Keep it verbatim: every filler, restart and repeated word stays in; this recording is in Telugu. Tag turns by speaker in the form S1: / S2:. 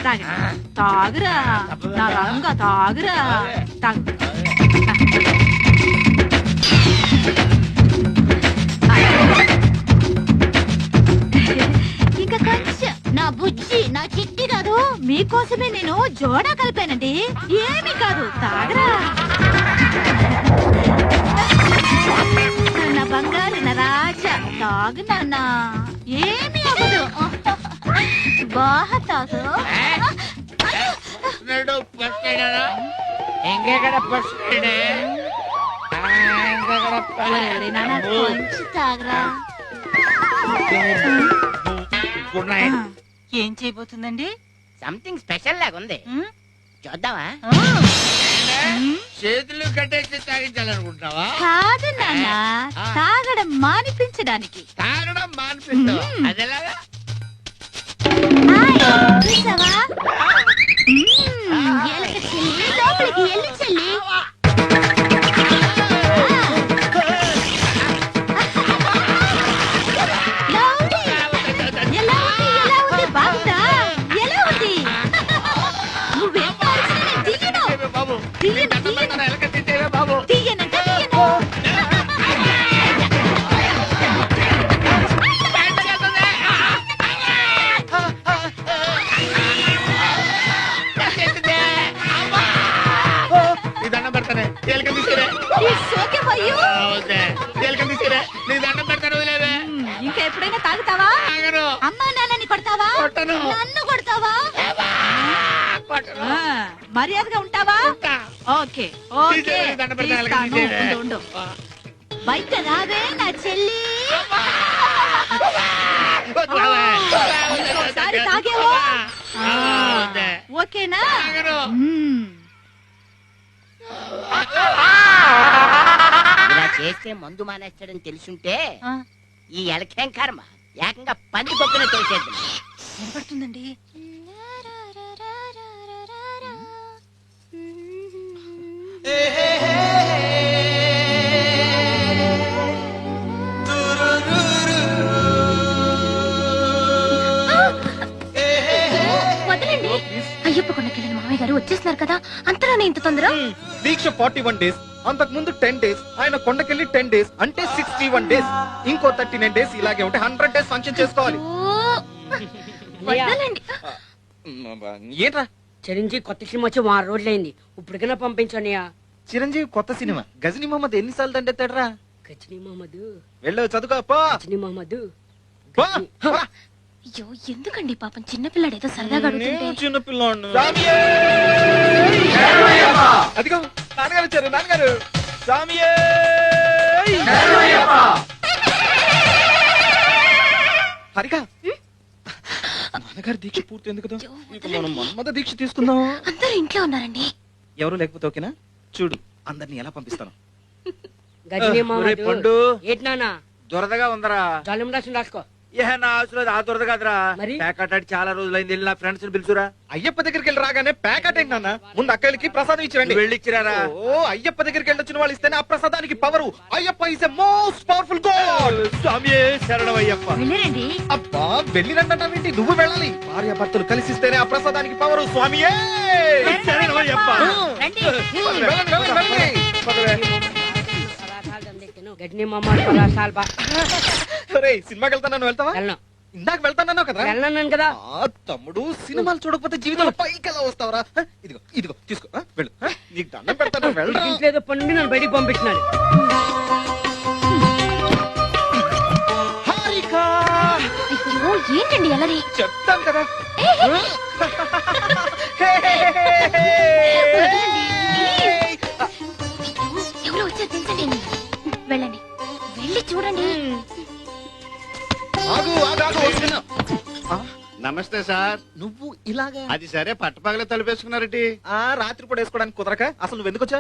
S1: తాగండి తాగురా నా రంగ తాగురా తాగు ఇంకా కొంచెం నా బుజ్జి నా చిట్టి కాదు మీకోసమే నేను జోడా కలిపానండి ఏమి కాదు తాగరా నా బంగారు నా రాజా తాగు నాన్న ఏమి అవ్వదు బాగా తాగు కొంచెం తాగరా
S2: ఏం చేయబోతుందండి
S3: సంథింగ్ స్పెషల్ లాగా ఉంది చూద్దామా
S4: చేతులు కట్టేసి తాగించాలనుకుంటున్నావా?
S1: కాదు నాన్న తాగడం మానిపించడానికి
S4: తాగడం మానిపిస్తావా? అదేలాగా
S1: చూసావా ఎలక చెల్లి లోపలికి ఎల్లు చెల్లి ఇంకా ఎప్పుడైనా తాగుతావా అమ్మా నాన్నని కొడతావా నన్ను కొడతావా మర్యాదగా ఉంటావా ఓకే ఓకే ఉండు బయట రావే నా చెల్లి ఒకసారి తాగేవో ఓకేనా
S3: ఇలా చేస్తే మందు మానేస్తాడని తెలుసుంటే ఈ ఎలకేం కర్మ ఏకంగా పంది పక్కన తోసేద్దాం.
S1: వినపడుతుందండి
S5: వదలండి అయ్యప్ప కొండకెళ్ళిన మామయ్య గారు వచ్చేస్తున్నారు కదా అంతలోనే ఇంత తొందర
S6: దీక్ష ఫార్టీ వన్ డేస్ అంతకు ముందు టెన్ డేస్ ఆయన కొండకెళ్ళి టెన్ డేస్ అంటే సిక్స్టీ వన్ డేస్ ఇంకో థర్టీ నైన్ డేస్ ఇలాగే ఉంటే హండ్రెడ్ డేస్ ఫంక్షన్ చేసుకోవాలి.
S5: వదలండి
S6: ఏంట్రా
S2: చిరంజీవి కొత్త సినిమా వచ్చి వారం రోజులైంది ఇప్పటికైనా పంపించండి.
S6: చిరంజీవి కొత్త సినిమా గజనీ మహమ్మద్ ఎన్నిసార్లు దండెత్తాడరా?
S2: గజనీ మహమ్మద్
S6: వెళ్ళు చదువుకో పో.
S2: గజనీ మహమ్మద్
S6: పో.
S5: అయ్యో ఎందుకండి పాపం చిన్నపిల్లాడు ఏదో సరదాగా అడుగుతుంటే
S6: చిన్నపిల్లాడు అదిగో నాన్నగారు వచ్చారు. నాన్నగారు స్వామియే హరిగా నాన్నగారు దీక్ష పూర్తి ఎందుకు మనం మన్మథ దీక్ష తీసుకుందాం.
S5: అందరూ ఇంట్లో ఉన్నారండి.
S6: ఎవరు లేకపోతే ఓకేనా? చూడు అందరిని ఎలా పంపిస్తాను.
S2: గజనీ మహమ్మద్
S4: పండు
S2: ఏంటి నాన్న
S4: దొరదగా ఉందరా?
S2: జలం రాసిన రాసుకో.
S4: ఏ నా అవసరం ఆ దొరద కాదురా.
S2: మరి?
S4: ప్యాకెట్ చాలా రోజులైంది వెళ్ళి నా ఫ్రెండ్స్ ని పిలుచురా.
S6: అయ్యప్ప దగ్గరికి వెళ్ళి రాగానే ప్యాకెట్ ఏంటి నాన్న? ముందు అక్కడికి ప్రసాదం ఇచ్చిరండి.
S4: వెళ్ళిచ్చిరారా?
S6: ఓ అయ్యప్ప దగ్గరికి వెళ్ళి వచ్చిన వాళ్ళు ఇస్తేనే ఆ ప్రసాదానికి power. Ayyappa is a most powerful god.
S4: స్వామి శరణం అయ్యప్ప.
S1: వెళ్ళరండి
S6: అబ్బా వెళ్ళిరంటే నువ్వు వెళ్ళాలి. భార్య భర్తలు కలిసి ఇస్తేనే ఆ ప్రసాదానికి పవరు. స్వామియే
S4: శరణం అయ్యప్ప.
S1: రండి
S6: వెళ్ళండి, వెళ్ళండి, వెళ్ళండి.
S2: గజనీ మహమ్మద్ పరాసాల్ బా
S6: ఒరేయ్, సినిమాకి వెళ్తాను వెళ్తావా?
S2: వెళ్ళను
S6: ఇందాక వెళ్తానన్నావు కదా.
S2: వెళ్ళను కదా.
S6: ఆ తమ్ముడు సినిమాలు చూడకపోతే జీవితంలో పైకి ఎలా వస్తావరా? ఇదిగో ఇదిగో తీసుకో ఆ, వెళ్ళు. ఆ, నీకు దండం పెడతాను వెళ్ళు.
S2: ఇంట్లో ఏదో పండి నన్ను బయటికి పంపించినాడు.
S6: హారికా
S5: అయ్యో ఏంటండి అలరి
S6: చెప్తాను కదా.
S5: ఎవరో వచ్చారు తెలుసండి. వెళ్ళండి వెళ్ళి చూడండి.
S6: ఆగు ఆగు ఆగు వస్తున్నా. ఆ,
S4: నమస్తే సార్.
S6: నువ్వు ఇలాగా
S4: అది సరే పట్టపగలే తలుపేసుకున్నారటి.
S6: ఆ రాత్రి పూట వేసుకోవడానికి కుదరక అసలు నువ్వు ఎందుకు వచ్చావు?